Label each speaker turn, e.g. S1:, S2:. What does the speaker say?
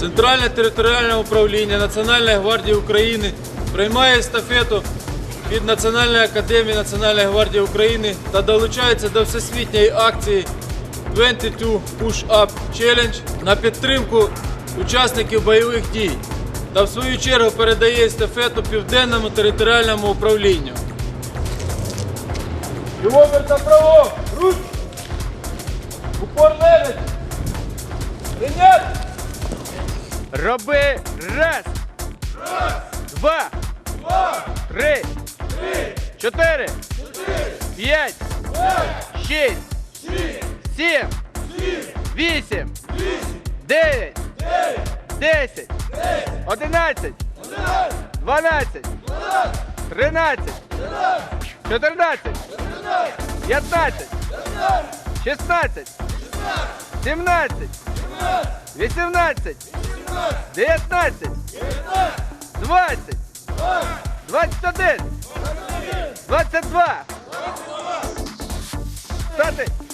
S1: Центральне територіальне управління Національної гвардії України приймає естафету від Національної академії Національної гвардії України та долучається до всесвітньої акції 22 Push-Up Challenge на підтримку учасників бойових дій та в свою чергу передає естафету Південному територіальному управлінню. Кілометр направо! Руч! Упор левить! Прийняти!
S2: Роби раз! Два! Три! Чотири! П'ять! Шість! Сім! Вісім! Дев'ять! 10! 11! 12! 13! 14! 15! 16! 17! 18! 19! 20! 21! 22! Стати!